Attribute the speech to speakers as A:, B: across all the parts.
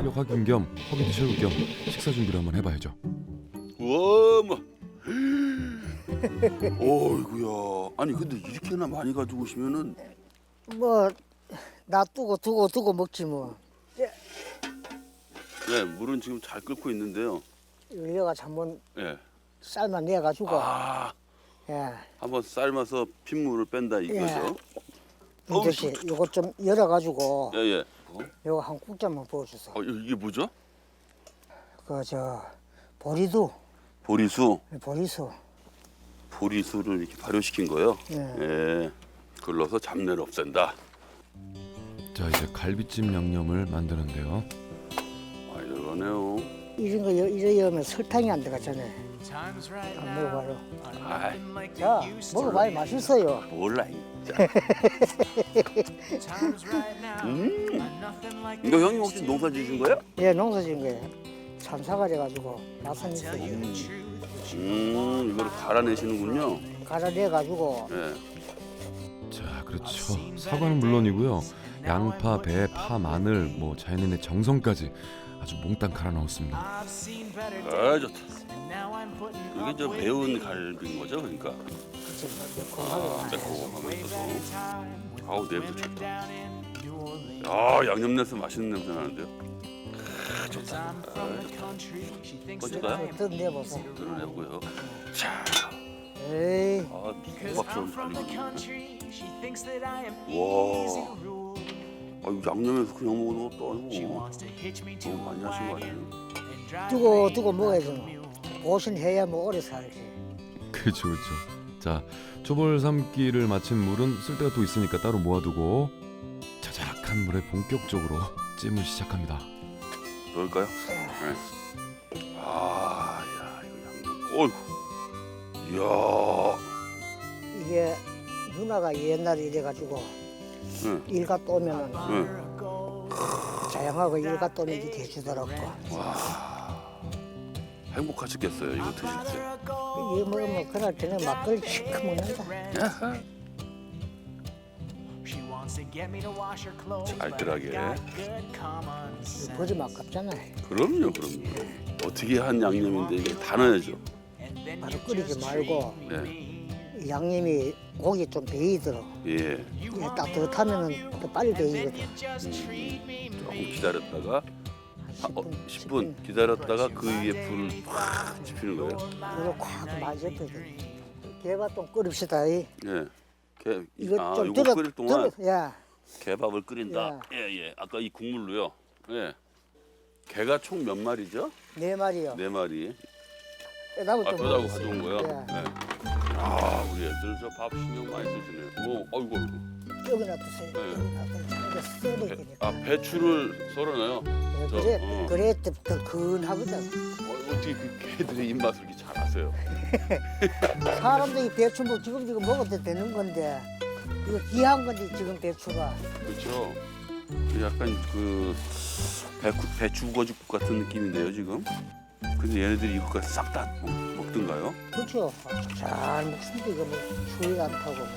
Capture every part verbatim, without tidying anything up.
A: 새벽 확인 겸 허기도 채울 겸 식사 준비를 한번 해봐야죠.
B: 우와, 뭐. 어이구야. 아니 근데 이렇게나 많이 가지고 오시면은
C: 뭐 놔두고 두고 두고 먹지 뭐.
B: 네, 물은 지금 잘 끓고 있는데요.
C: 여기가 한번
B: 예.
C: 삶아내 가지고
B: 아,
C: 예.
B: 한번 삶아서 핏물을 뺀다 이거죠. 어우,
C: 이렇게 요거 좀 열어 가지고
B: 예, 예. 어?
C: 요거 한 국자만 부어 주세요.
B: 어, 이게 뭐죠?
C: 그 저 보리두,
B: 보리수.
C: 보리수.
B: 보리수를 이렇게 발효시킨 거요.
C: 예.
B: 예. 걸러서 잡내를 없앤다.
A: 자, 이제 갈비찜 양념을 만드는데요.
B: 많이 들어가네요.
C: 이런 거 이래 여면 설탕이 안 들어갔잖아요. 안 먹어봐요.
B: 아이,
C: 자, 먹어봐요. 맛있어요.
B: 몰라 진짜. 음. 이거 형님 혹시 농사 지으신 거예요?
C: 예, 농사진 거예요. 참사가래 가지고 맛은 있어요.
B: 음, 이걸 갈아내시는군요.
C: 갈아내 가지고
B: 예.
A: 자, 그렇죠. 사과는 물론이고요. 양파, 배, 파, 마늘, 뭐 자연인의 정성까지 아주 몽땅 갈아 넣었습니다.
B: 아, 좋다. 이게 저 매운 갈비인 거죠, 그러니까. 아, 매콤하면서도. 아우, 냄새 좋다. 야, 양념 내서 맛있는 냄새 나는데요. 아, 좋다. 아, 좋다. 꺼질까요?
C: 뜯 내보소.
B: 드러내고요. 자,
C: 에이,
B: 아, 국밥처럼 잘 익었네. 와, 아, 이거 양념에서 그냥 먹어도 것도 아니고 너무 많이 하신 거 아니에요?
C: 두고 두고 먹어야지 뭐. 보신해야 뭐 오래 살지.
A: 그렇죠, 그렇죠. 자, 초벌 삶기를 마친 물은 쓸 데가 또 있으니까 따로 모아두고 자작한 물에 본격적으로 찜을 시작합니다.
B: 넣을까요? 네. 아, 야, 이거 양념. 어이구. 이야.
C: 이게 누나가 옛날에 이래가지고
B: 네.
C: 일가 떠면은
B: 네.
C: 자영하고 일가 떠면 이렇게 해주더라고.
B: 행복하셨겠어요, 이거 드실 때.
C: 이거 먹으면 그날 저녁 막걸리 시커 먹는다.
B: 알뜰하게.
C: 이거 버리면 아깝잖아요.
B: 그럼요, 그럼요. 어떻게 한 양념인데 이게 다 넣어야죠.
C: 바로 끓이지 말고
B: 네.
C: 양념이 고기 좀 배이더라.
B: 예.
C: 이게 따뜻하면은 더 빨리 배이거든.
B: 음, 조금 기다렸다가 아, 어,
C: 십 분,
B: 십 분 기다렸다가 그 위에 불을 확 지피는 거예요.
C: 그리고 콱 많이 접혀져. 개밥 좀 끓입시다. 이.
B: 예. 개,
C: 이거
B: 아,
C: 좀
B: 이거
C: 들어,
B: 끓일 동안
C: 들어, 야,
B: 개밥을 끓인다. 예, 예. 아까 이 국물로요. 예. 개가 총 몇 마리죠?
C: 네 마리요.
B: 네 마리.
C: 빼다고
B: 아,
C: 좀
B: 떠다고
C: 먹었어요.
B: 가져온 거예요?
C: 예.
B: 네. 아, 우리 애들 저 밥 신경 많이 쓰시네요. 오, 아이고, 아이고.
C: 여기 놔두세요.
B: 네.
C: 여기 놔두세요. 이거 썰어야
B: 배,
C: 되니까.
B: 아, 배추를 썰어놔요.
C: 네,
B: 저,
C: 그래,
B: 어.
C: 그래 더 근하거든.
B: 어, 어떻게 그 개들의 입맛을 이렇게 잘 아세요?
C: 사람들이 배추 뭐 지금 지금 먹어도 되는 건데 이거 귀한 건데 지금 배추가.
B: 그렇죠. 약간 그 배추, 배추거죽 같은 느낌인데요, 지금. 근데 얘네들이 이거까지 싹 다 먹든가요?
C: 그렇죠. 잘 먹습니다. 이거 뭐 추위 안 타고 뭐.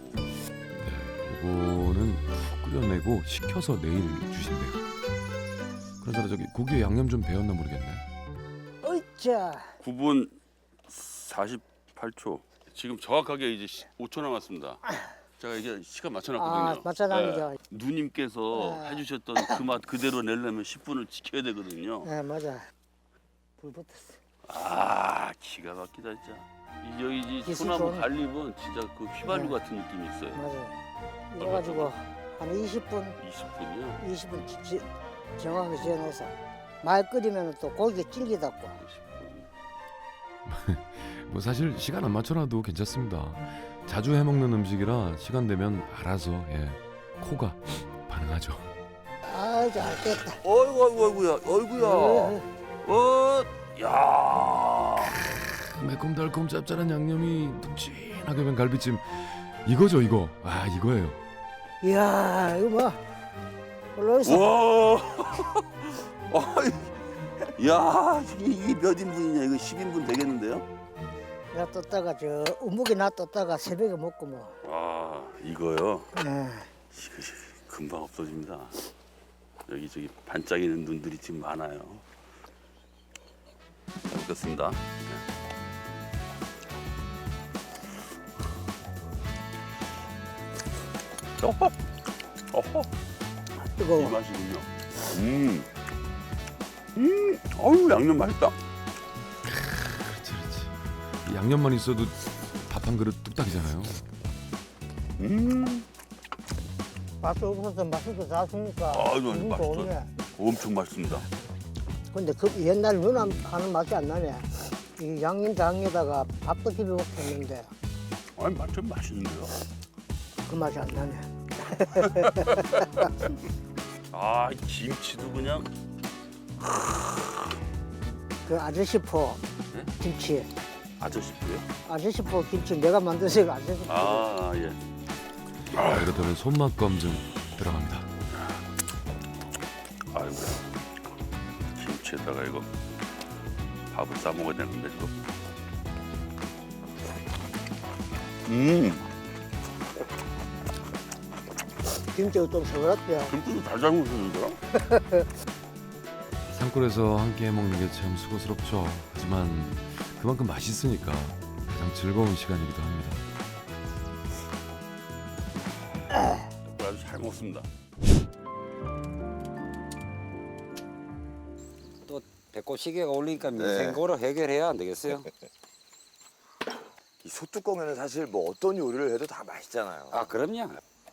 A: 이거는 푹 끓여내고 식혀서 내일 주신대요. 그러잖아, 저기 고기에 양념 좀 배웠나 모르겠네.
C: 어이짜.
B: 구 분 사십팔 초. 지금 정확하게 이제 오 초 남았습니다. 제가 이게 시간 맞춰놨거든요.
C: 아, 맞춰놨죠.
B: 네. 누님께서
C: 네.
B: 해주셨던 그 맛 그대로 내려면 십 분을 지켜야 되거든요.
C: 네 맞아. 불 붙었어.
B: 아, 기가 막히다 진짜. 이 여기 이
C: 기술
B: 소나무
C: 좋네.
B: 갈잎은 진짜 그 휘발유
C: 네.
B: 같은 느낌이 있어요.
C: 맞아. 이래 가지고 한 이십 분,
B: 이십 분이요.
C: 이십 분 지, 지, 정확하게 지어놔서 많이 끓이면 또 고기가 질기다고.
B: 이십 분.
A: 뭐 사실 시간 안 맞춰놔도 괜찮습니다. 자주 해먹는 음식이라 시간 되면 알아서 예 코가 반응하죠.
C: 아, 잘 됐다.
B: 어이구 어이구 어이구야 어이구야. 어, 야.
A: 매콤달콤 짭짤한 양념이 눅진하게 된 갈비찜 이거죠 이거. 아 이거예요.
C: 이야, 이거 뭐 올라오있어.
B: 와. 어이. 야, 이게, 이게 몇 인분이냐? 이거 십 인분 되겠는데요?
C: 놔뒀다가 저 우묵에 놔뒀다가 새벽에 먹고 뭐.
B: 아, 이거요.
C: 예.
B: 이거 금방 없어집니다. 여기 저기 반짝이는 눈들이 지금 많아요. 잘 먹겠습니다. 네. 어허, 어허, 이
C: 뜨거워.
B: 맛이군요. 음, 음, 어우 양념 맛있다.
A: 그렇지 그렇지. 이 양념만 있어도 밥 한 그릇 뚝딱이잖아요.
B: 음,
C: 맛이 없어서 맛있게 샀으니까
B: 아, 이거
C: 기분
B: 맛있어.
C: 좋네.
B: 엄청 맛있습니다.
C: 근데 그 옛날 누나 하는 맛이 안 나네. 이 양념장에다가 밥도 비벼 먹었는데
B: 아니 완전 맛있는데요.
C: 그 맛이 안 나네.
B: 아, 이 김치도 그냥
C: 그 아저씨 포
B: 네?
C: 김치.
B: 아저씨고요.
C: 아저씨 포 김치 내가 만드서 아저씨 포.
B: 아, 예.
A: 아, 이렇다면 손맛 검증 들어갑니다.
B: 아이고, 김치에다가 이거 밥을 싸 먹어야 되는데 이거. 음,
C: 김치가 좀 서글었대요.
B: 김치도 잘 삶으셨는데요?
A: 산골에서 함께 먹는 게 참 수고스럽죠. 하지만 그만큼 맛있으니까 가장 즐거운 시간이기도 합니다.
B: 아주 잘 먹습니다.
D: 또 배꼽 시계가 올리니까
E: 네.
D: 민생고로 해결해야 안 되겠어요?
E: 이 소뚜껑에는 사실 뭐 어떤 요리를 해도 다 맛있잖아요.
D: 아 그럼요.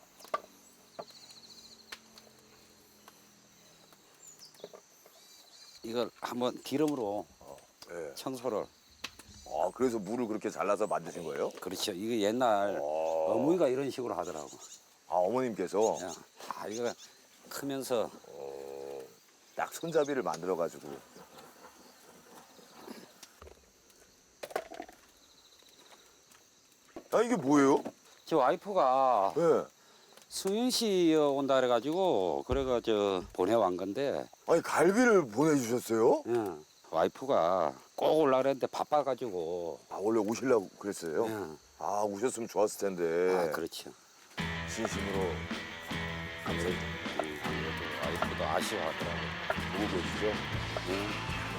D: 이걸 한번 기름으로
E: 네.
D: 청소를.
E: 아, 그래서 물을 그렇게 잘라서 만드신 거예요?
D: 그렇죠. 이거 옛날
E: 어.
D: 어머니가 이런 식으로 하더라고.
E: 아, 어머님께서
D: 야, 아 이거 크면서
E: 어, 딱 손잡이를 만들어 가지고. 아, 이게 뭐예요?
D: 저 와이프가
E: 네.
D: 승윤 씨 온다 그래가지고 그래가 저 보내왔 건데
E: 아니, 갈비를 보내주셨어요?
D: 예, 와이프가 꼭 올라 그랬는데 바빠가지고.
E: 아, 원래 오시려고 그랬어요?
D: 예.
E: 아, 오셨으면 좋았을 텐데.
D: 아 그렇죠.
E: 진심으로 감사히
D: 음, 아무래도 와이프도 아쉬워하더라고.
E: 보고 계시죠?
D: 예.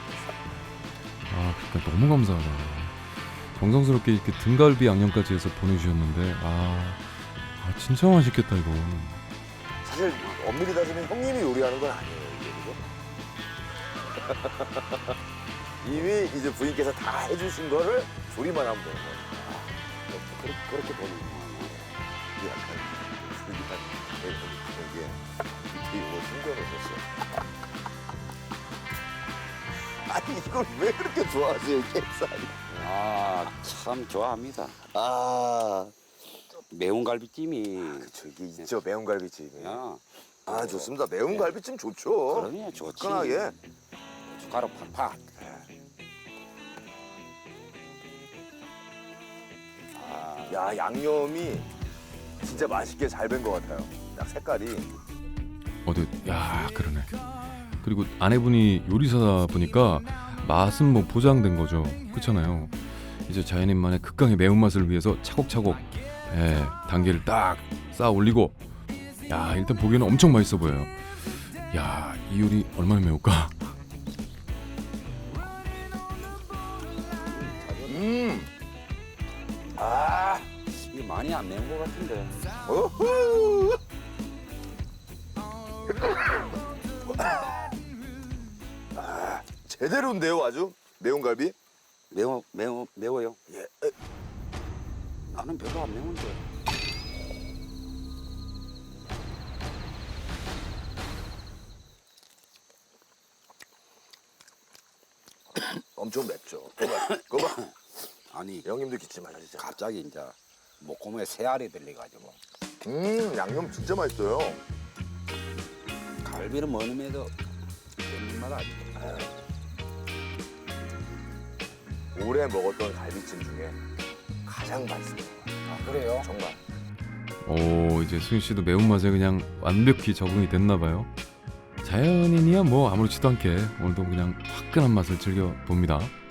A: 아, 그러니까 너무 감사하다. 정성스럽게 이렇게 등갈비 양념까지 해서 보내주셨는데 아, 아 진짜 맛있겠다 이거.
E: 사실 엄밀히 따지면 형님이 요리하는 건 아니에요, 이게, 그죠? 이미 이제 부인께서 다 해주신 거를 조리만 하면 되는 거예요.
D: 아, 그렇게, 그렇게 보는구나.
E: 이게 약간 불리한 이게 이게 이거 숨겨놓으셨어. 아니, 이걸 왜 그렇게 좋아하세요, 캡살이?
D: 아, 참 좋아합니다.
E: 아,
D: 매운 갈비찜이.
E: 그쵸, 이게 있죠, 매운 갈비찜이.
D: 야,
E: 아, 좋습니다. 매운 갈비찜 좋죠.
D: 그러면 좋지.
E: 화끈하게.
D: 숟가락 팍팍. 아,
E: 야, 양념이 진짜 맛있게 잘 된 것 같아요. 딱 색깔이.
A: 어디, 야 그러네. 그리고 아내분이 요리사다 보니까 맛은 뭐 보장된 거죠. 그렇잖아요. 이제 자연인만의 극강의 매운맛을 위해서 차곡차곡 예, 단계를 딱 쌓아 올리고 야 일단 보기에는 엄청 맛있어 보여요. 야 이 요리 얼마나 매울까?
E: 음. 아.
D: 이거 많이 안 매운 것 같은데.
E: 오호. 아, 제대로인데요, 아주 매운 갈비.
D: 매워, 매워, 매워요.
E: 예.
D: 나는 별로 안 매운데.
E: 엄청 맵죠. 그거 봐. 그거 봐.
D: 아니,
E: 형님도 기침하시죠.
D: 갑자기 이제 목구멍에 새알이 들려가지고.
E: 음, 양념 진짜 맛있어요.
D: 갈비는 먹으면도 깻잎 맛 아니고.
E: 올해 먹었던 갈비찜 중에 가장 맛있어요.
D: 아, 그래요?
E: 정말.
A: 오 이제 수윤 씨도 매운맛에 그냥 완벽히 적응이 됐나 봐요. 자연인이야 뭐 아무렇지도 않게 오늘도 그냥 화끈한 맛을 즐겨 봅니다.